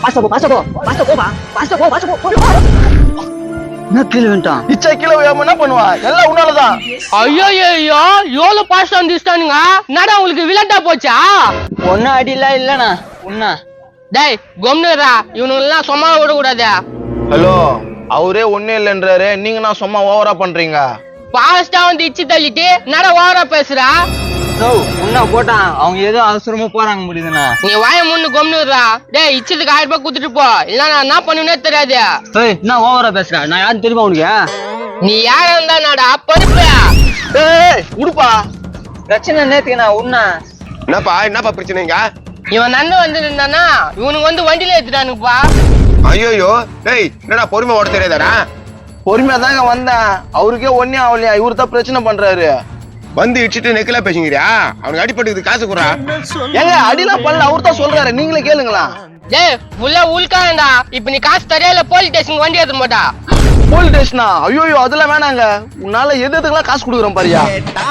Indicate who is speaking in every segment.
Speaker 1: என்ன கீழே வந்துட்டான்?
Speaker 2: இச்சா கீழே விழாம என்ன பண்ணுவா? எல்லாம் உன்னாலதான்.
Speaker 3: ஐயோ எவ்வளவு பாஸ்ட் வந்துட்டானுங்க. என்னடா உங்களுக்கு விளையாட்டா போச்சா?
Speaker 1: ஒன்னும் அடிலாம் இல்லண்ணா. உண்ணா
Speaker 3: டேய் கொம்னுடா, இவனுங்கெல்லாம் சும்மா விடக்கூடாது.
Speaker 2: ஹலோ, அவரே ஒண்ணே இல்லைன்றாரு, நீங்க நான் சும்மா ஓவரா பண்றீங்க.
Speaker 3: பாஸ்டா வந்து இச்சு தள்ளிட்டு என்னடா ஓவரா பேசுறா?
Speaker 1: உண்ணா போட்டான். அவங்க ஏதோ அவசரமா போறாங்க முடியுதுண்ணா.
Speaker 3: நீ வாய முன்னு கொம்னுடுறா. டேய் இச்சதுக்கு 1000 ரூபாய் குடுத்துட்டு போ, இல்ல நான் என்ன பண்ணுவேனே தெரியாது.
Speaker 1: என்ன ஓவரா பேசுற? நான் யாரும் தெரியுமா உனக்கு?
Speaker 3: நீ யாரா இருந்தா நாடா பருப்பு.
Speaker 2: உடுப்பா.
Speaker 1: பிரச்சனை நேத்துக்குண்ணா. உண்ணா
Speaker 4: என்னப்பா பிரச்சனைங்க?
Speaker 3: இவன் நண்பன் வந்து இருந்தானா, இவனுக்கு வந்து வண்டியில ஏத்துட்டானுப்பா.
Speaker 4: ஐயோ டேய், என்னடா பொறுமை ஓட தெரியாதாடா?
Speaker 2: பொறுமையா தாங்க வந்தேன். அவருக்கே ஒன்னே ஆகலையா, இவரு தான் பிரச்சனை பண்றாரு.
Speaker 4: வந்து இடிச்சிட்டு நெக்கலா பேசுங்கிறியா? அவனுக்கு அடிப்பட்டுக்கு காசு குறா.
Speaker 2: ஏங்க அடிலாம் பண்ணல, அவரு தான் சொல்றாரு, நீங்களே கேளுங்களா.
Speaker 3: டேய் ஃபுல்லா உள்காண்டா. இப்ப நீ காசு தரையில போலீஸ் ஸ்டேஷன் வண்டி ஏத்த மாட்டா.
Speaker 2: போலீஸ் ஸ்டேஷனா? ஐயோ அதெல்லாம் வேணாங்க. உன்னால எதுக்கெல்லாம் காசு கொடுக்குறேன் பாரியா.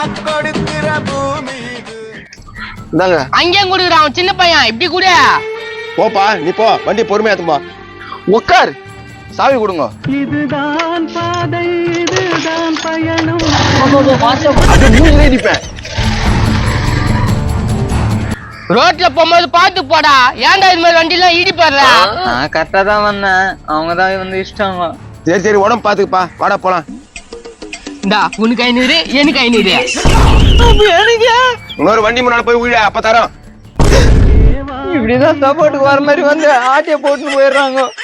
Speaker 2: இந்தாங்க.
Speaker 3: அங்கேயும் குடுக்குறான் அவன் சின்ன பையன். இப்படி கூட
Speaker 4: போப்பா, நீ போ, வண்டி பொறுமையா ஏத்துமா.
Speaker 2: உக்கார், சாவி கொடுங்க.
Speaker 5: இதுதான் பாதை, இதுதான் பயணம்.
Speaker 2: அப்படியே மூஞ்சிலே அடிப்பேன்.
Speaker 3: ரோட்ல போகும்போது பாத்து போடா. ஏன்டா இது மாதிரி வண்டி எல்லாம் இடிப்படுற?
Speaker 1: நான் கரெக்டா தான் வந்தேன். அவங்கதான் வந்து இஷ்டம்.
Speaker 4: சரி உடம்பு பாத்துக்குப்பா, வாடா போலாம்.
Speaker 3: இந்தா உனக்கு 500, எனக்கு 500.
Speaker 4: இன்னொரு வண்டி முன்னாடி போய் விழ, அப்ப தரோம்.
Speaker 1: இப்படிதான் சப்போர்ட்டுக்கு வர மாதிரி வந்து ஆட்டிய போட்டுன்னு போயிடுறாங்க.